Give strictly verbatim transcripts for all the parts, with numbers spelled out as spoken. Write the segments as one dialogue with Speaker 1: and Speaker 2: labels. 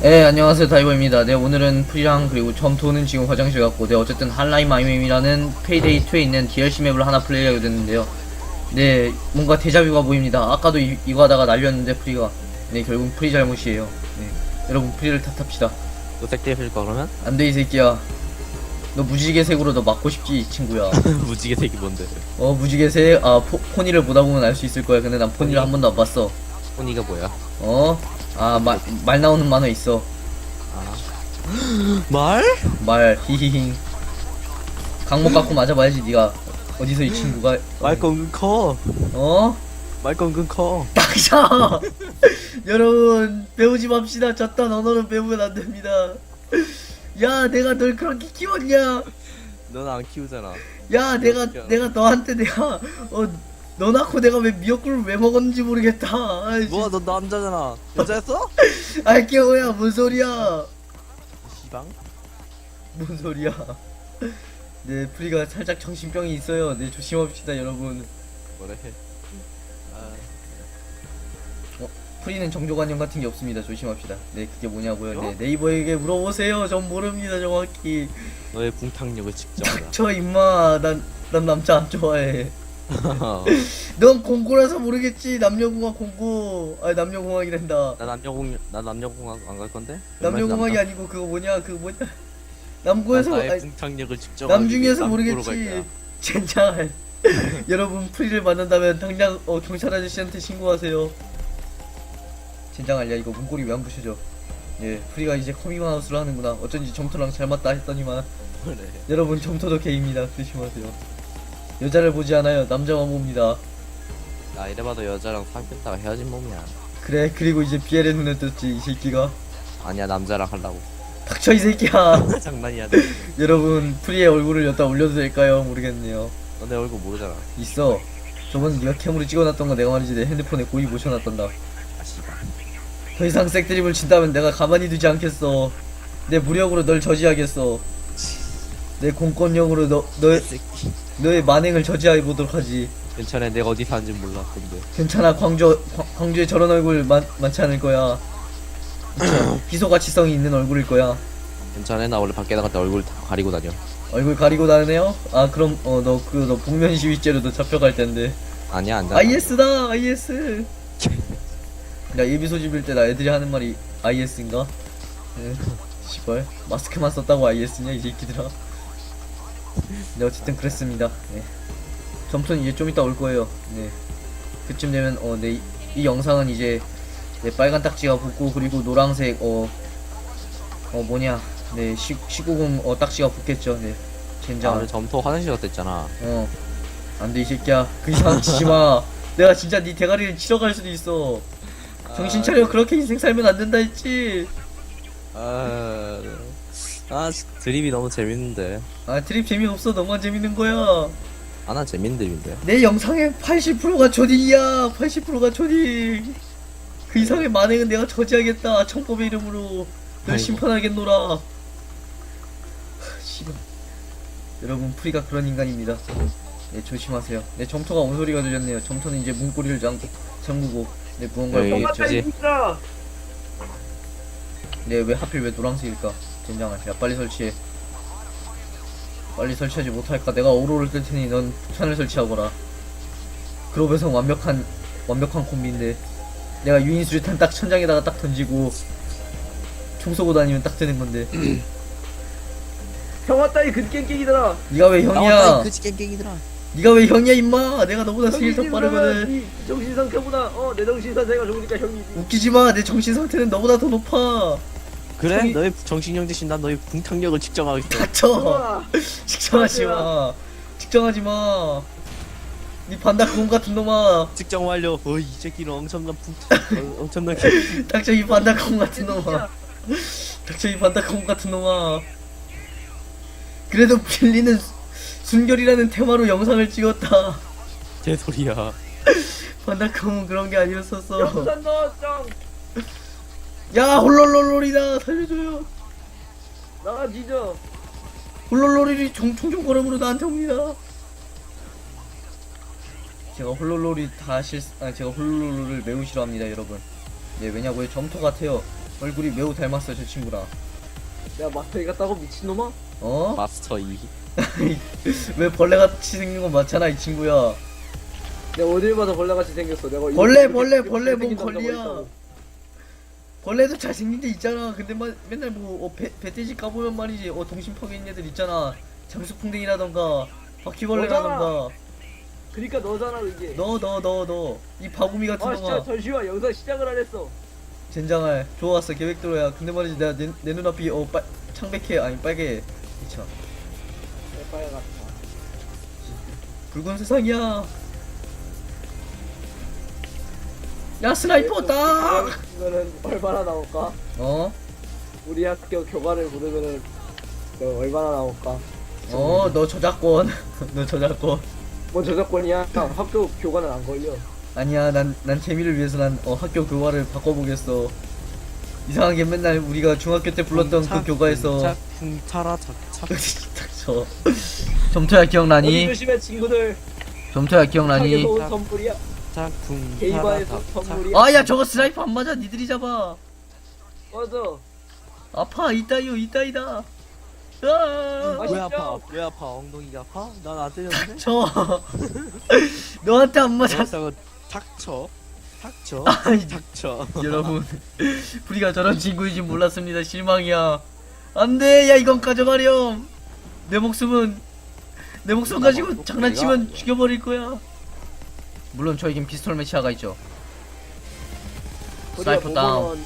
Speaker 1: 네, 안녕하세요. 다이버입니다. 네, 오늘은 프리랑 그리고 점토는 지금 화장실 갔고, 네, 어쨌든 한라인 마이맵이라는 페이데이 투에 있는 디엘씨 맵을 하나 플레이하게 됐는데요. 네, 뭔가 데자뷰가 보입니다. 아까도 이, 이거 하다가 날렸는데 프리가. 네, 결국 프리 잘못이에요. 네, 여러분 프리를 탓합시다.
Speaker 2: 너 색대 필까 그러면?
Speaker 1: 안돼 이 새끼야. 너 무지개색으로 너 맞고 싶지 친구야.
Speaker 2: 무지개 색이 뭔데?
Speaker 1: 어 무지개색 아 포, 포니를 보다 보면 알 수 있을 거야. 근데 난 포니를 한 번도 안 봤어.
Speaker 2: 포니가 뭐야?
Speaker 1: 어? 아 말 말 나오는 만화 있어.
Speaker 2: 아 말?
Speaker 1: 말 히히히. 강목 갖고 맞아봐야지 니가. 어디서 이 친구가
Speaker 2: 말건 은근 커.
Speaker 1: 어?
Speaker 2: 말건 은근 커.
Speaker 1: 닥쳐. 여러분 배우지 맙시다. 저딴 언어는 배우면 안 됩니다. 야 내가 널 그렇게 키웠냐?
Speaker 2: 넌 안 키우잖아.
Speaker 1: 야 내가
Speaker 2: 키워.
Speaker 1: 내가 너한테 내가 어 너 낳고 내가 왜 미역국을 왜 먹었는지 모르겠다. 아이,
Speaker 2: 뭐야 너 남자잖아. 여자였어?
Speaker 1: 아이 깨호야 뭔 소리야?
Speaker 2: 시방?
Speaker 1: 뭔 소리야? 네 프리가 살짝 정신병이 있어요. 네 조심합시다 여러분.
Speaker 2: 뭐래? 아,
Speaker 1: 프리는 정조관념 같은 게 없습니다. 조심합시다. 네 그게 뭐냐고요? 네 네이버에게 물어보세요. 전 모릅니다 정확히.
Speaker 2: 너의 붕탕력을 측정하라.
Speaker 1: 저 임마 난 난 남자 안 좋아해. 넌 공고라서 모르겠지. 남녀공학 공고. 아니 남녀공학이 된다.
Speaker 2: 나 남녀공 나 남녀공학 안 갈 건데?
Speaker 1: 남녀공학이 아니고 그거 뭐냐 그거 뭐냐 남고에서
Speaker 2: 나의
Speaker 1: 아니,
Speaker 2: 붕탕력을 측정하라.
Speaker 1: 남중에서 모르겠지. 젠장. 여러분 프리를 만난다면 당장 어, 경찰 아저씨한테 신고하세요. 젠장 알야 이거 문고리 왜 안 부셔져? 예 프리가 이제 커밍아웃을 하는구나. 어쩐지 점토랑 잘 맞다 했더니만.
Speaker 2: 그래.
Speaker 1: 여러분 점토도 게이입니다. 조심하세요. 여자를 보지 않아요. 남자만 봅니다.
Speaker 2: 나 이래봐도 여자랑 사귀었다가 헤어진 몸이야.
Speaker 1: 그래 그리고 이제 비엘의 눈에 떴지 이 새끼가.
Speaker 2: 아니야 남자랑 하려고.
Speaker 1: 닥쳐 이 새끼야.
Speaker 2: 장난이야.
Speaker 1: 여러분 프리의 얼굴을 여기다 올려도 될까요? 모르겠네요.
Speaker 2: 너 내 얼굴 모르잖아.
Speaker 1: 있어. 저번에 네가 캠으로 찍어놨던 거 내가 말이지 내 핸드폰에 고이 모셔놨단다.
Speaker 2: 아 씨발.
Speaker 1: 더 이상 색드립을 친다면 내가 가만히 두지 않겠어. 내 무력으로 널 저지하겠어. 내 공권력으로 너, 너의,
Speaker 2: 새끼.
Speaker 1: 너의 만행을 저지해보도록 하지.
Speaker 2: 괜찮아 내가 어디 사는지 몰라 근데.
Speaker 1: 괜찮아 광주, 광, 광주에 저런 얼굴 많, 많지 않을 거야. 희소가치성이 있는 얼굴일 거야.
Speaker 2: 괜찮아 나 원래 밖에 나갈 때 얼굴 다 가리고 다녀.
Speaker 1: 얼굴 가리고 다니네요? 아 그럼 어 너 그 너 복면 시위죄로 너 잡혀갈 텐데.
Speaker 2: 아니야 안 돼.
Speaker 1: 아이에스다 아이에스. 나 예비 소집일 때 나 애들이 하는 말이 아이에스인가? 네. 시발 마스크만 썼다고 아이에스냐 이 새끼들아. 네 어쨌든 그랬습니다. 네. 점토는 이제 좀 이따 올 거예요. 네. 그쯤 되면 어네 이, 이 영상은 이제 네, 빨간 딱지가 붙고 그리고 노란색 어 어 뭐냐 네 시, 십구금 어 딱지가 붙겠죠. 네 젠장.
Speaker 2: 오늘 점토 화장실 갔다 했잖아.
Speaker 1: 어 안돼 이 새끼야 그 이상 치지마. 내가 진짜 네 대가리를 치러 갈 수도 있어. 정신 차려. 그렇게 인생 살면 안 된다 했지.
Speaker 2: 아, 아 드립이 너무 재밌는데.
Speaker 1: 아 트립 재미없어. 너만 재밌는 거야.
Speaker 2: 아 난 재밌는 드립인데.
Speaker 1: 내 영상의 팔십 퍼센트가 초딩이야. 팔십 퍼센트가 초딩. 그 이상의 만행은 내가 저지하겠다. 청법의 이름으로 널
Speaker 2: 아이고.
Speaker 1: 심판하겠노라. 씨발. 여러분 프리가 그런 인간입니다. 네 조심하세요. 네 점토가 온 소리가 들렸네요. 점토는 이제 문고리를 잠, 잠그고 네 무언가를
Speaker 2: 여기
Speaker 1: 보고.
Speaker 2: 저지.
Speaker 1: 네 왜 하필 왜 노란색일까? 젠장아 야 빨리 설치해. 빨리 설치하지 못할까? 내가 오로를 뜰 테니 넌 폭탄을 설치하거라. 그로베성 완벽한 완벽한 콤비인데 내가 유인 수류탄 딱 천장에다가 딱 던지고 총 쏘고 다니면 딱 되는 건데.
Speaker 3: 형 왔다 이 근깽깽이들아.
Speaker 1: 네가 왜 형이야?
Speaker 2: 그지 깽깽이들아.
Speaker 1: 네가 왜 형이야 임마? 내가 너보다 스킬 더 빠르거든.
Speaker 3: 이 정신 상태보다 어 내 정신 상태가 좋으니까 형이지.
Speaker 1: 웃기지 마. 내 정신 상태는 너보다 더 높아.
Speaker 2: 그래?
Speaker 1: 형이-
Speaker 2: 너의 정신력 대신 난 너의 붕탕력을 측정하겠어.
Speaker 1: 닥쳐.
Speaker 3: 우와.
Speaker 1: 측정하지 마. 측정하지 마. 네 반다콩 같은 놈아.
Speaker 2: 측정 완료. 어이 새끼는 엄청난 붕탕. 어, 엄청난. 개-
Speaker 1: 닥쳐 이 반다콩 같은 놈아. 닥쳐 이 반다콩 같은 놈아. 그래도 빌리는 수- 순결이라는 테마로 영상을 찍었다.
Speaker 2: 개소리야.
Speaker 1: 반다콩은 그런 게 아니었었어.
Speaker 3: 영산 너 짱.
Speaker 1: 야 홀롤롤롤이다. 살려줘요.
Speaker 3: 나가 지져.
Speaker 1: 홀롤롤이 총총 걸음으로 나한테 옵니다. 제가 홀롤롤이 다 실, 아 제가 홀롤롤을 매우 싫어합니다 여러분. 예 왜냐고요? 점토 같아요. 얼굴이 매우 닮았어 저 친구랑.
Speaker 3: 내가 마스터이 같다고 미친놈아?
Speaker 1: 어?
Speaker 2: 마스터 이.
Speaker 1: 왜 벌레같이 생긴 건 맞잖아 이 친구야.
Speaker 3: 내가 어딜 봐서 벌레같이 생겼어. 내가
Speaker 1: 벌레
Speaker 3: 이렇게-
Speaker 1: 벌레
Speaker 3: 이렇게
Speaker 1: 벌레 뭔
Speaker 3: 생긴 남자가
Speaker 1: 걸리야.
Speaker 3: 있다고.
Speaker 1: 벌레도 잘생긴 데 있잖아. 근데 막 맨날 뭐 어, 배, 배돼지 까보면 말이지 어 동심 파괴 있는 애들 있잖아. 장수풍뎅이라던가 바퀴벌레라던가.
Speaker 3: 그니까 너잖아 이게.
Speaker 1: 너 너 너 너 이 바구미 같은
Speaker 3: 아
Speaker 1: 놈아.
Speaker 3: 진짜 잠시만 영상 시작을 안 했어.
Speaker 1: 젠장할 좋았어 계획대로야. 근데 말이지 내가 내, 내 눈앞이 어 빨, 창백해 아니 빨개. 미쳐
Speaker 3: 빨갛다
Speaker 1: 붉은 세상이야. 야 스나이퍼 딱.
Speaker 3: 그러면은 얼마나 나올까?
Speaker 1: 어?
Speaker 3: 우리 학교 교과를 부르면은 그 얼마나 나올까?
Speaker 1: 어 너 저작권. 너 저작권.
Speaker 3: 뭐 저작권이야? 학교 교과는 안 걸려.
Speaker 1: 아니야 난 난 재미를 위해서 난 어, 학교 교과를 바꿔보겠어. 이상하게 맨날 우리가 중학교 때 불렀던 그 교과에서
Speaker 2: 쿵차라 착착.
Speaker 1: 저 점토야
Speaker 3: 어디
Speaker 1: 기억나니?
Speaker 3: 조심해 친구들.
Speaker 1: 점토야 기억나니?
Speaker 3: 학에서 온 선물이야.
Speaker 2: 짝쿵.
Speaker 3: 게이바에서 선물이야.
Speaker 1: 아야 저거 스나이퍼 안 맞아 니들이 잡아.
Speaker 3: 맞아.
Speaker 1: 아파 이따이요 이따이다. 아,
Speaker 3: 아,
Speaker 2: 왜 아파? 왜 아파? 엉덩이가 아파? 난 안 때렸는데.
Speaker 1: 저 너한테 안 맞아.
Speaker 2: 닥쳐. 닥쳐. 닥쳐.
Speaker 1: 아이,
Speaker 2: 닥쳐.
Speaker 1: 여러분 우리가 저런 친구인지 몰랐습니다. 실망이야. 안돼 야 이건 가져가렴. 내 목숨은 내 목숨 가지고 장난치면 죽여버릴 거야. 물론 저에겐 피스톨 매치아가 있죠. 스나이퍼 다운.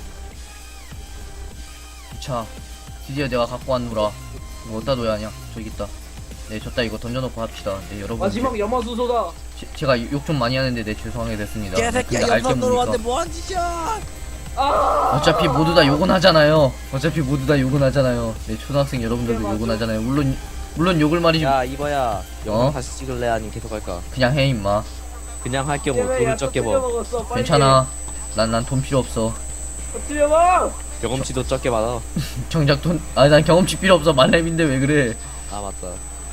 Speaker 1: 자 드디어 내가 갖고 왔노라. 이거 어디다 둬야 하냐? 저기 있다. 네 졌다. 이거 던져놓고 합시다. 네 여러분
Speaker 3: 마지막 염화수소다.
Speaker 1: 제, 제가 욕 좀 많이 하는데 네 죄송하게 됐습니다.
Speaker 2: 개새끼야
Speaker 1: 근데 알게
Speaker 2: 연산 들어왔는데
Speaker 1: 뭡니까?
Speaker 2: 뭐하는 짓이야?
Speaker 3: 아.
Speaker 1: 어차피 모두 다 욕은 하잖아요. 어차피 모두 다 욕은 하잖아요. 네 초등학생 여러분들도
Speaker 3: 네, 맞아.
Speaker 1: 욕은 하잖아요. 물론 물론 욕을 말이지.
Speaker 2: 야 이봐야. 영상
Speaker 1: 어?
Speaker 2: 다시 찍을래 아니면 계속 할까?
Speaker 1: 그냥 해 임마.
Speaker 2: 그냥 할게 뭐
Speaker 3: 때문에
Speaker 2: 돈을
Speaker 3: 약간
Speaker 2: 적게
Speaker 3: 틀려
Speaker 2: 버.
Speaker 3: 먹었어. 빨리.
Speaker 1: 괜찮아. 난 난 돈 필요 없어.
Speaker 3: 틀려 먹.
Speaker 2: 경험치도 적게 받아.
Speaker 1: 정작 돈. 아니 난 경험치 필요 없어. 말렙인데 왜 그래?
Speaker 2: 아 맞다.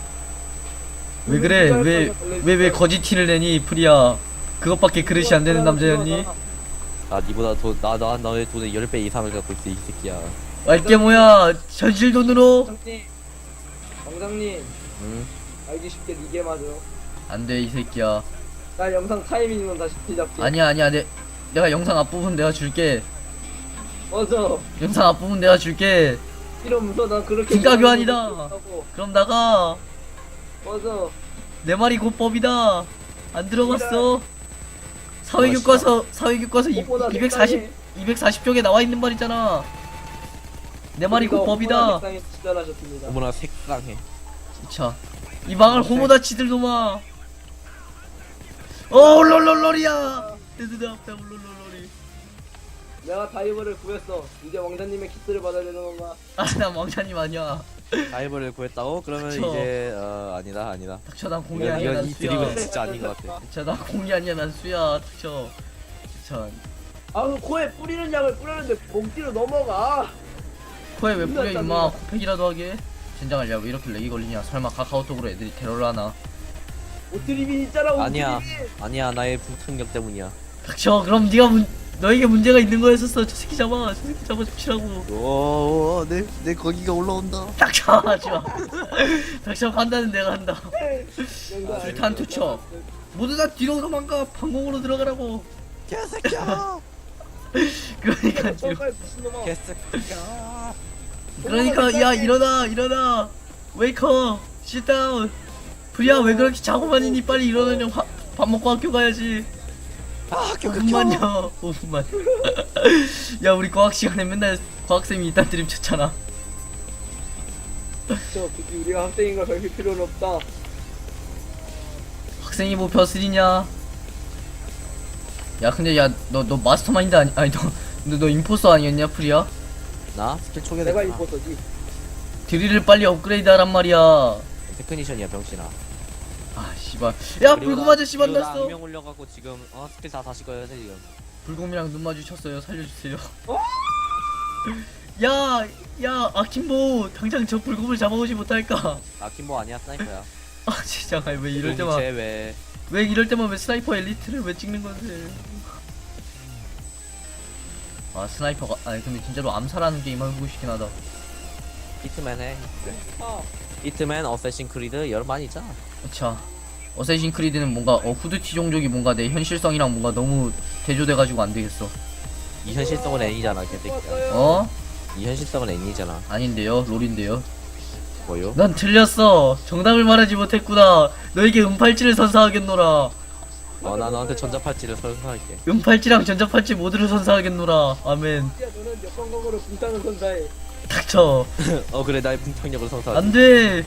Speaker 1: 왜 그래? 왜 왜 왜 거짓 티를 내니 프리야? 그것밖에 그릇이 안 되는 남자였니?
Speaker 2: 나 니보다 돈나나 너의 돈의 십 배 이상을 갖고 있어 이 새끼야.
Speaker 1: 알게 뭐야? 현실 돈으로?
Speaker 3: 왕장님. 왕장님.
Speaker 2: 응?
Speaker 3: 알기 쉽게 니게 맞아.
Speaker 1: 안돼 이 새끼야.
Speaker 3: 나 영상 타이밍은 다시 시작해.
Speaker 1: 아니야 아니야 내 내가 영상 앞부분 내가 줄게.
Speaker 3: 맞아.
Speaker 1: 영상 앞부분 내가 줄게.
Speaker 3: 이러면서 난 그렇게
Speaker 1: 진가 교환이다.
Speaker 3: 하고.
Speaker 1: 그럼 나가.
Speaker 3: 맞아.
Speaker 1: 내 말이 곧 법이다. 안 들어봤어. 사회교과서 사회교과서 이-
Speaker 3: 무엇보다
Speaker 1: 이백사십
Speaker 3: 색상이-
Speaker 1: 이백사십 쪽에 나와 있는 말이잖아. 내 말이 곧 법이다.
Speaker 3: 식당에 지달하셨습니다.
Speaker 2: 어머나 색상해.
Speaker 1: 자, 이 망할 호모다 치들 놈아. 어, 올롤롤롤이야. 내들 앞에 올롤롤롤이.
Speaker 3: 내가 다이버를 구했어. 이제 왕자님의 키스를 받아야 되는 건가?
Speaker 1: 아, 난 왕자님 아니야.
Speaker 2: 다이버를 구했다고? 그러면
Speaker 1: 그쵸.
Speaker 2: 이제 어 아니다 아니다.
Speaker 1: 닥쳐, 난 공이
Speaker 3: 이건-
Speaker 1: 아니야.
Speaker 2: 이건
Speaker 1: 난
Speaker 2: 이
Speaker 1: 수야.
Speaker 2: 드립은 진짜 아닌 것 같아.
Speaker 1: 자, 난 공이 아니야. 난 수야. 닥쳐. 자,
Speaker 3: 아, 그 코에 뿌리는 약을 뿌렸는데 목뒤로 넘어가.
Speaker 1: 코에 왜 뿌려
Speaker 3: 끝났다,
Speaker 1: 임마.
Speaker 3: 끝났다.
Speaker 1: 코팩이라도 하게. 젠장할 야왜 이렇게 렉이 걸리냐. 설마 카카오톡으로 애들이 테러를 하나.
Speaker 3: 오트리빈 있잖아. 오트리빈.
Speaker 2: 아니야 아니야 나의 불탄력 때문이야.
Speaker 1: 닥쳐. 그럼 네가 문 너에게 문제가 있는 거였었어. 저 새끼 잡아. 저 새끼 잡아 잡치라고.
Speaker 2: 오내내 거기가 올라온다.
Speaker 1: 닥쳐. 하지마. 닥쳐. 판단은 내가 한다.
Speaker 3: 영상
Speaker 1: 불탄 투척. 모두 다 뒤로 도망가. 방공으로 들어가라고.
Speaker 2: 개새끼야.
Speaker 1: 그러니까 뒤로.
Speaker 3: 저까지 미친놈아.
Speaker 2: 개새끼야.
Speaker 1: 그러니까 야 일어나 일어나. 웨이커. sit 프리야 왜 그렇게 자고만 있니? 빨리 일어나냐. 화, 밥 먹고 학교 가야지.
Speaker 2: 아
Speaker 1: 오 분만요. 오 분만. 야 우리 과학 시간에 맨날 과학쌤이 이딴 드립 쳤잖아.
Speaker 3: 저 굳이 우리가 학생인 걸 밝힐 필요는 없다.
Speaker 1: 학생이 뭐 벼슬이냐? 야 근데 야 너 너 마스터마인드 아니 아니 너 너 너 임포서 아니었냐 프리야?
Speaker 2: 나 스킬 초계
Speaker 3: 내가
Speaker 2: 됐구나.
Speaker 3: 이뻤어지.
Speaker 1: 드릴을 빨리 업그레이드하란 말이야.
Speaker 2: 테크니션이야 병신아.
Speaker 1: 아 씨발. 야
Speaker 2: 그리고
Speaker 1: 불곰
Speaker 2: 나-
Speaker 1: 아저씨
Speaker 2: 그리고 나
Speaker 1: 만났어.
Speaker 2: 악명 올려갖고 지금 어 스킬 다 다시 꺼야 돼 지금.
Speaker 1: 불곰이랑 눈 마주쳤어요. 살려주세요.
Speaker 3: 어?
Speaker 1: 야, 야, 아킴보 당장 저 불곰을 잡아오지 못할까?
Speaker 2: 아킴보 아니야 스나이퍼야.
Speaker 1: 아 진짜 왜 이럴 때만
Speaker 2: 왜?
Speaker 1: 왜 이럴 때만 왜 스나이퍼 엘리트를 왜 찍는 건데? 아 스나이퍼가 아니 근데 진짜로 암살하는 게임 해보고 싶긴 하다.
Speaker 2: 히트맨 해.
Speaker 3: 아,
Speaker 2: 히트맨, 어쌔신 크리드 여러 많이 있잖아.
Speaker 1: 그쵸. 어쌔신 크리드는 뭔가 어 후드티 종족이 뭔가 내 현실성이랑 뭔가 너무 대조돼가지고 안 되겠어.
Speaker 2: 이 현실성은 N이잖아, 개새끼야.
Speaker 3: 왔어요.
Speaker 1: 어?
Speaker 2: 이 현실성은 N이잖아.
Speaker 1: 아닌데요. 롤인데요.
Speaker 2: 뭐요?
Speaker 1: 난 틀렸어. 정답을 말하지 못했구나. 너에게 은팔찌를 선사하겠노라.
Speaker 2: 어, 나 너한테 전자팔찌를 설명할게.
Speaker 1: 은팔찌랑 전자팔찌 모두를 선사하겠노라. 아멘.
Speaker 3: 야, 너는 역광각으로 붕타는 선사해.
Speaker 1: 닥쳐.
Speaker 2: 어, 그래, 나의 붕탕력을 선사하지.
Speaker 1: 안돼.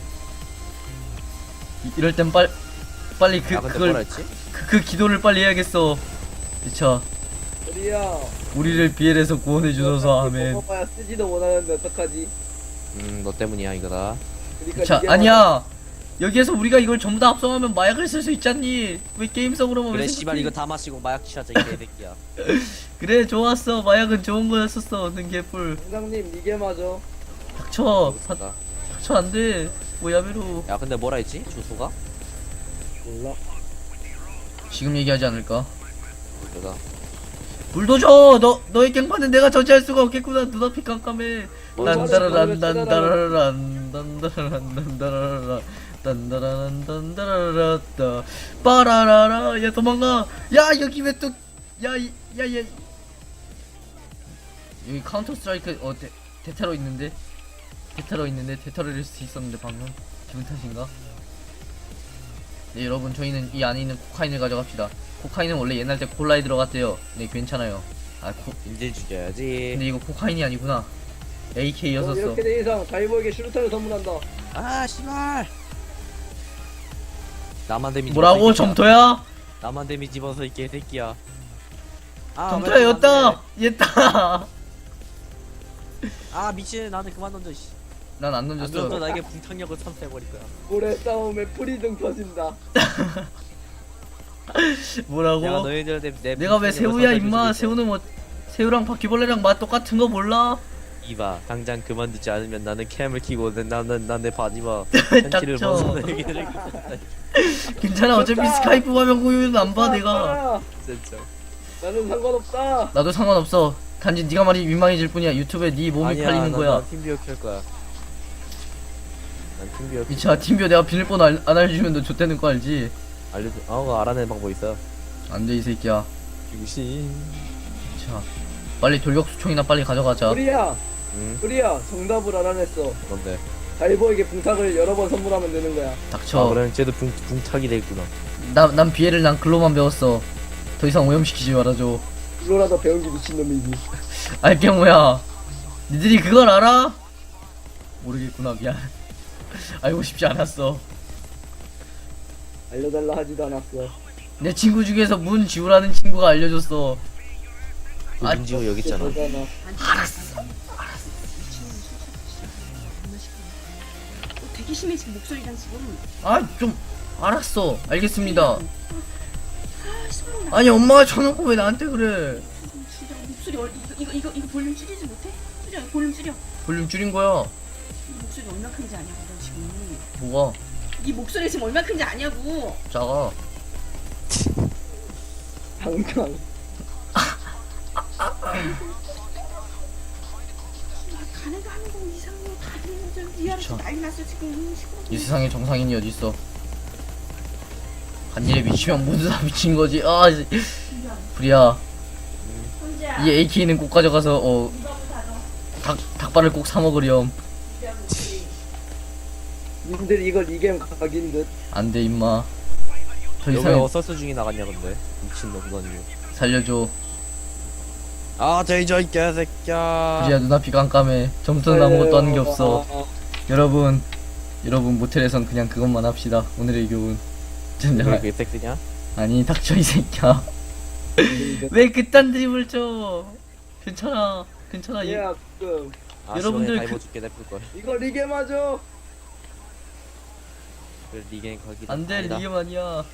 Speaker 1: 이럴 땐 빨 빨리 그
Speaker 2: 아, 근데 뭐라
Speaker 1: 그걸
Speaker 2: 했지?
Speaker 1: 그, 그 기도를 빨리 해야겠어. 그쵸.
Speaker 3: 우리야.
Speaker 1: 우리를 비엘에서 구원해 주소서. 아멘.
Speaker 3: 먹어봐야 쓰지도 못하는데 어떡하지?
Speaker 2: 음, 너 때문이야, 이거다.
Speaker 3: 그러니까
Speaker 1: 자
Speaker 3: 이게
Speaker 1: 아니야. 여기에서 우리가 이걸 전부 다 합성하면 마약을 쓸 수 있잖니. 왜 게임성으로만
Speaker 2: 그래,
Speaker 1: 왜
Speaker 2: 씨발,
Speaker 1: 생각해?
Speaker 2: 이거 다 마시고 마약 취하자, 이 개새끼야.
Speaker 1: 그래 좋았어. 마약은 좋은 거였었어. 는 개뿔.
Speaker 3: 원장님 이게 맞아.
Speaker 1: 닥쳐. 다,
Speaker 2: 알겠습니다.
Speaker 1: 닥쳐 안돼. 뭐야메로.
Speaker 2: 야, 근데 뭐라 했지? 주소가?
Speaker 3: 몰라.
Speaker 1: 지금 얘기하지 않을까?
Speaker 2: 내가.
Speaker 1: 불도저. 너 너의 갱판은 내가 저지할 수가 없겠구나. 눈앞이 깜깜해.
Speaker 2: 뭐,
Speaker 1: 딴따라란 딴따라란 딴따라란 딴따라란 딴따라란 딴따라란따 빠라라라. 야 도망가. 야 여기 왜 또 야야야 여기 카운터 스트라이크 어 대, 대테러 있는데 대테러 있는데 대테러일 수 있었는데 방금 기분 탓인가? 네 여러분 저희는 이 안에 있는 코카인을 가져갑시다. 코카인은 원래 옛날 때 콜라에 들어갔대요. 네 괜찮아요. 아 코,
Speaker 2: 인질 죽여야지.
Speaker 1: 근데 이거 코카인이 아니구나.
Speaker 3: 너
Speaker 1: 에이케이였었어.
Speaker 3: 이렇게 된 이상 다이버에게 슈루탄을 선물한다.
Speaker 2: 아, 씨발. 나만 데미지
Speaker 1: 뭐라고?
Speaker 2: 입어서 이 개새끼야.
Speaker 1: 점토야?
Speaker 2: 나만 데미지 입어서 이 개새끼야. 아,
Speaker 1: 점토야
Speaker 2: 왜
Speaker 1: 였다.
Speaker 2: 나만 해?
Speaker 1: 얘다.
Speaker 2: 아, 미친. 나한테 그만 던져, 씨.
Speaker 1: 난 안
Speaker 2: 안 던져,
Speaker 1: 던졌어.
Speaker 2: 나에게 붕탕력을 선사해버릴 거야.
Speaker 3: 모래 싸움에 풀이 등 터진다.
Speaker 1: 뭐라고?
Speaker 2: 내가 너희들 내, 내
Speaker 1: 내가 왜
Speaker 2: 붕탕력을
Speaker 1: 새우야
Speaker 2: 선사해줄
Speaker 1: 임마.
Speaker 2: 수 있어.
Speaker 1: 새우는 뭐 새우랑 바퀴벌레랑 맛 똑같은 거 몰라?
Speaker 2: 이봐, 당장 그만두지 않으면 나는 캠을 키고 내- 나는 난내 바지와 팬티를
Speaker 1: 닥쳐.
Speaker 2: 벗어내기를
Speaker 1: 괜찮아. 어차피
Speaker 3: 좋다.
Speaker 1: 스카이프 화면 공유는 안 봐 내가.
Speaker 3: 아,
Speaker 2: 진짜.
Speaker 3: 나는 상관없다.
Speaker 1: 나도 상관없어. 단지 네가 말이 민망해질 뿐이야. 유튜브에 네 몸이
Speaker 2: 아니야,
Speaker 1: 팔리는
Speaker 2: 난-
Speaker 1: 거야.
Speaker 2: 난 팀비어 켤 거야. 난 팀비어 켤
Speaker 1: 미차 팀비어 내가 비밀번호 알, 안 알려주면 너 좆되는 거 알지?
Speaker 2: 알려줘. 어, 그거 알아내는 방법 있어.
Speaker 1: 안 돼 이 새끼야.
Speaker 2: 중신.
Speaker 1: 자 빨리 돌격수총이나 빨리 가져가자.
Speaker 3: 우리야,
Speaker 2: 응?
Speaker 3: 우리야, 정답을 알아냈어.
Speaker 2: 뭔데?
Speaker 3: 다이버에게 붕탁을 여러 번 선물하면 되는 거야.
Speaker 1: 닥쳐.
Speaker 2: 아, 그럼 쟤도 붕 붕탁이 되겠구나.
Speaker 1: 나, 난 비애를 난 글로만 배웠어. 더 이상 오염시키지 말아줘.
Speaker 3: 이거라도 배운 게 미친놈이지.
Speaker 1: 알병우야. 니들이 그걸 알아? 모르겠구나 미안. 알고 싶지 않았어.
Speaker 3: 알려달라 하지도 않았어.
Speaker 1: 내 친구 중에서 문지우라는 친구가 알려줬어.
Speaker 2: 그
Speaker 1: 아,
Speaker 2: 문지호 여기 있잖아.
Speaker 3: 그거잖아.
Speaker 4: 되게 심해 지금 목소리랑 지금.
Speaker 1: 아 좀 알았어. 알겠습니다.
Speaker 4: 아 시끄러워. 나
Speaker 1: 아니 엄마가 쳐놓고 왜 나한테 그래?
Speaker 4: 진짜 목소리 얼 이거 이거 이거 이거 볼륨 줄이지 못해? 줄여 볼륨 줄여.
Speaker 1: 볼륨 줄인 거야.
Speaker 4: 이 목소리 얼마 큰지 아냐고 너 지금.
Speaker 1: 뭐가?
Speaker 4: 이 목소리 지금 얼마 큰지 아냐고.
Speaker 1: 작아.
Speaker 3: 당장.
Speaker 4: 가네도 하는 거 이상해. 다들 좀 위아래
Speaker 1: 그쵸.
Speaker 4: 난리 났어 지금. 시끄러워.
Speaker 1: 이 세상에 정상인이 어딨어? 한 일에 미치면 모두 다 미친 거지. 아, 이- 프리야.
Speaker 4: 혼자.
Speaker 1: 이 에이케이는 꼭 가져가서 어 닭 닭발을 꼭 사 먹으렴.
Speaker 3: 님들 이걸 이 게임 각인 듯.
Speaker 1: 안돼 임마. 더
Speaker 2: 여기
Speaker 1: 이상
Speaker 2: 어서스 중이 나갔냐 근데. 미친놈 넌 이거.
Speaker 1: 살려줘.
Speaker 2: 아, 제이저 이 개새끼야.
Speaker 1: 프리야 눈앞이 깜깜해. 점수는 아무것도 하는 게 없어.
Speaker 3: 아, 아,
Speaker 1: 여러분, 여러분 모텔에선 그냥 그것만 합시다. 오늘의 교훈.
Speaker 2: 왜
Speaker 1: 진짜
Speaker 2: 그게 섹스냐?
Speaker 1: 아니 닥쳐 이 새끼야. 왜 그딴 드립을 쳐? 괜찮아, 괜찮아. 이-
Speaker 3: 얘야, 그
Speaker 2: 아,
Speaker 1: 여러분들
Speaker 2: 다이버
Speaker 1: 그-
Speaker 2: 죽게 냅둘 걸.
Speaker 3: 이거 리게 맞아.
Speaker 2: 그래, 리겐 거기다.
Speaker 1: 안돼
Speaker 2: 아니다.
Speaker 1: 이게 아니야.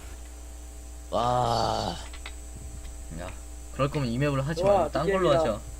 Speaker 2: 와.
Speaker 1: 야, 그럴 거면 이 맵을 하지
Speaker 3: 좋아,
Speaker 1: 말고 딴 걸로
Speaker 3: 게임이다.
Speaker 1: 하자.